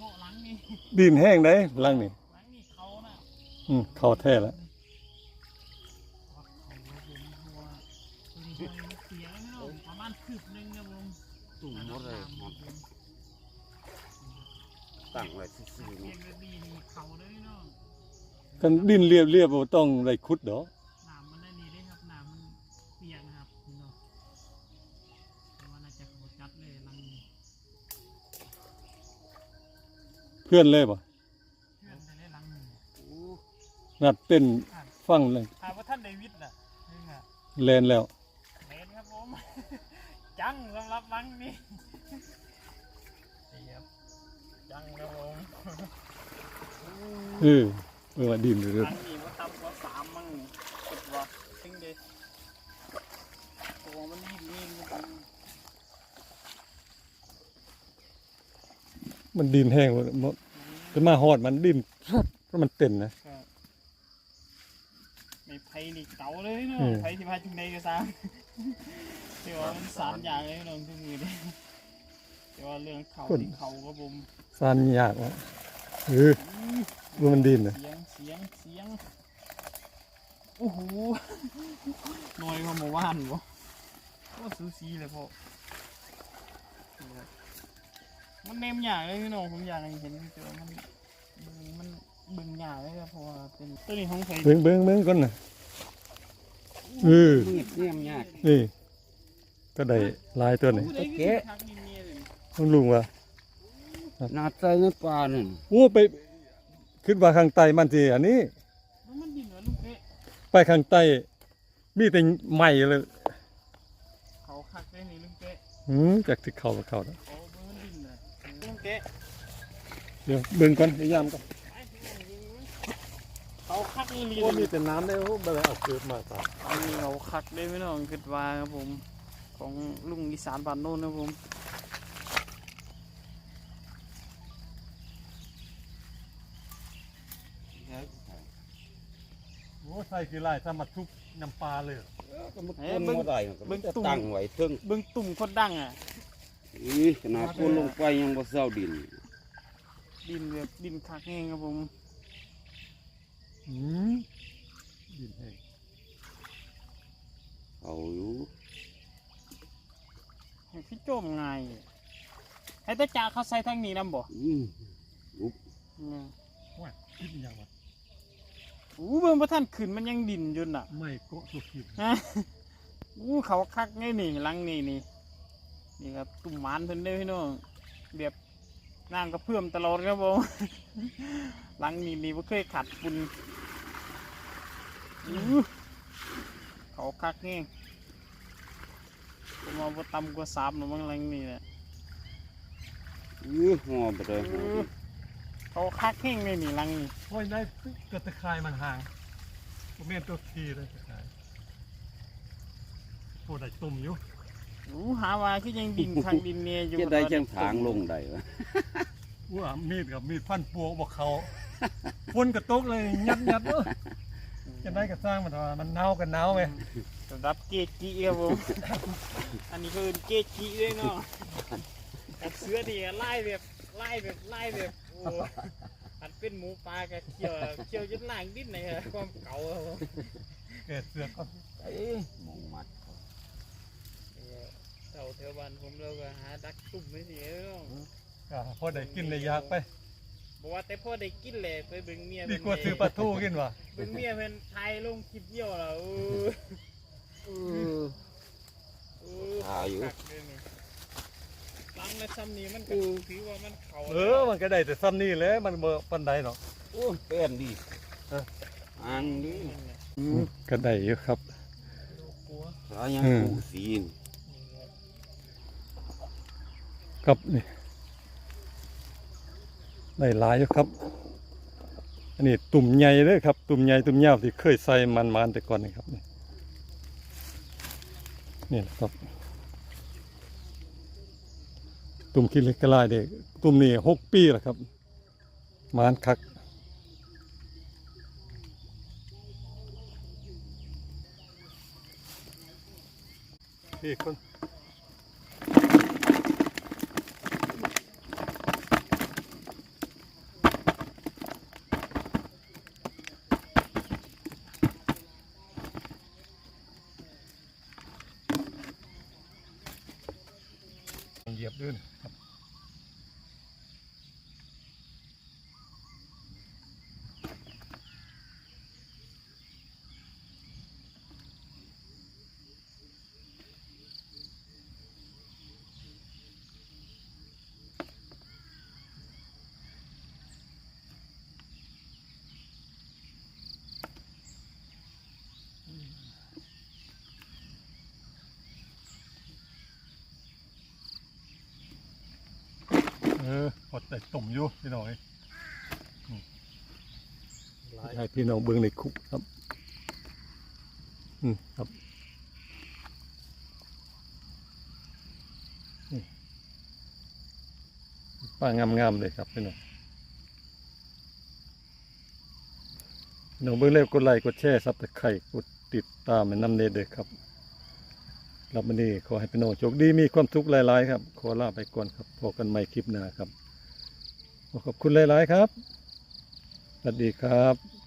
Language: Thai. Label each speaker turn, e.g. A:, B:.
A: พาะหลังนี่
B: ดินแห้งได้หลังนี่
A: หลังนี่เขาน่ะ
B: เขาแท้แล้ว
A: เสียแล้วประมาณคืบนึงนะผม
C: ตุ่มหมดเลยตั้งไว้ซื่อๆ
A: เสี
C: นี่
A: ยงแบบนี้นี่เขาเลยเนาะ
B: กันดินเรียบบ่ต้องได้ขุดดอก
A: น้ำมันได้นี่ได้ครับน้ำมันเปียกนะครับพี่น้องแต่ว่าน่าจะเขาจัดเลยหลังนี้
B: เพื่อนเลยบ่
A: เพื่อนไปเลยหลังนี้
B: นัดเต้นฟังเลย
A: ถามว่าท่านเดวิดน่ะนี่ไง
B: แลนแล้ว
A: เล่นครับผม จังสำหรับหลังนี้นี่ครับจังครับผม
B: ว่าดินเรื่
A: ห
B: อ
A: ลังนี้ว่าต่ำกว่า3มั้งคิดว่าถึงเด็ตัวมันยิ่งยิ่ง
B: มันดินแห้งจะมาฮอดมันดินเพราะมันเต้นนะ
A: ไม่ไผ่นี่เก่าเลยเนาะไผ่ที่พาจุงในก็ซ้ำที่ว่ามันสารอย่างเลยน้องทุกมือเลยแต่ว่าเรื่องเขาที่เขาก็บ่ม
B: สานยากว่ะว่ามันดินนะ
A: เสียงโอ้โหหน่อยเขามาว่านบ่ก็ซูซีเลยพ่อมันเนมหยาเลยพี่น้องผมอยากให้เห็นแต่ว่ามันบึงหยาเลยครับเพราะว่าเป็นตัวนี้ของใคร
B: เบิ่งก่อนน่ะ
C: เนี่ยมยาก
B: นี่ก็ได้ลายตัวนี้
C: แกะ
B: ต้องลุงว่า
C: นาใจในป่านั่น
B: โอ้ไปขึ้นว่าข้างใต้มันสิอันนี้
A: มันดินเหรอลุงเป๊ะ
B: ไปข้างใต้มีแต่ใหม่เลย
A: เขาคักได้นี่ลุงเป๊ะ
B: จากที่เขาแล้ว
A: โอ้มันดินเลยลุงเป๊ะ
B: เดี๋ยวเบิ่งก่อนพยายามก่อน
A: เขาคักนี่ลี
B: มีแต่น้ำได้บ่ได้เอาเกิดมาตา
A: อันนี้เขาคักได้ไม่น้องคิดว่าครับผมของลุงอีสานบ้านโน้นนะผม
B: โอ้ใส่กี่ลายถ้ามาทุบน้ำปลาเลย
C: ก็มันต้นบ่ได้ก็มันจะตั้งไว้เทิง
A: เบิ่งตุ่มคนดังอ่ะ
C: ขนาดคนลงไปยังบ่เซาดิน
A: แบบดินคักแห้งครับผม
B: ดินแห้ง
C: เอาอยู่
A: ให้พี่โจมง่ายให้ตาจ่าเขาใส่ทางนี้นำบ่
C: อุ๊บ
B: ว่าคิดอย่างวะ
A: เบิ่งบ่ทันขึ้นมันยังดินอยู่น่ะ
B: ไม่ก็สุกคิด
A: เขาคักไงนี่หลังนี่ครับตุ่มหมานเพิ่นเด้อพี่น้องแบบน้ำกระเพื่อมตลอดครับผมหลังนี่บ่เคยขัดฝุ่นเขาคักแห้งผมเอาบ่ต่ำกว่า3หรอกมั้งหลังนี่แหละ
C: หัวบ่ได้
A: เขาคักแห้งเลยนี่หลังนี่
B: โอ้ยได้เกิดตะไคร้มันห่างผมเมียนตัวทีเลยตะไคร้โอ้ได้ตุ่มอยู่
A: หาว่าคือยังดินทางดินเนี่ยอยู่
C: จะได้จังทางลงได้วะ
B: ว่ามีดกับมีดฟันปัวบอกเขาฝุ่นกระตุกเลยยัดจะได้กระสร้างมันว่ามันเน่ากันเน่าไหม
A: สำหรับเกจิครับผมอันนี้คือเกจิด้วยเนาะกับเสือดีไล่แบบโอ้อันเป็นหมูปลากับเขียวจนล่างดิ้นเลยครับความเก่าครับ
B: เกิดเสือก็
C: มองมัด
A: เต่าเทวันผมเราก็หาดักตุ่มไม่เสีย
B: ก็พอได้กินได้ยากไป
A: บอกว่าแต่พ่อได้กินเลยไปบึงเมีย
B: ดีกว่าซื้อปลาทูกินวะ
A: บึงเมียเป็นไทยลงคลิปเยี่ยวเรา
C: อยู่
A: ลังในซ้ำนี้มันก็ถือว่ามันเขา
B: มันก็ได้แต่ซ้ำนี่เลยมันเบอร์ปันใดเนาะ
C: โอ้เป็นดีอันนี้
B: ก็ได้อยู่ครับ
C: แล้วยังปูสี
B: ครับนี่ได้หลายอยู่ครับอันนี้ตุ่มใหญ่เลยครับตุ่มใหญ่ตุ่มยาวที่เคยใส่มันแต่ก่อนนี่ครับนี่ครับตุ่มขี้เล็กกระไรเด็กตุ่มนี่6 ปีแล้วครับมันคักนี่คนพอแต่ต้มอยู่พี่น้องให้พี่น้องเบิ่งในคุกครับครับปลางามๆเลยครับพี่น้องเบิ่งแล้วกดไลค์กดแชร์ซับสไครต์กดติดตามให้นำเด้อครับรับวันนี้ขอให้พี่น้องโชคดีมีความสุขหลายๆครับขอลาไปก่อนครับพบกันใหม่คลิปหน้าครับขอบคุณหลายๆครับสวัสดีครับ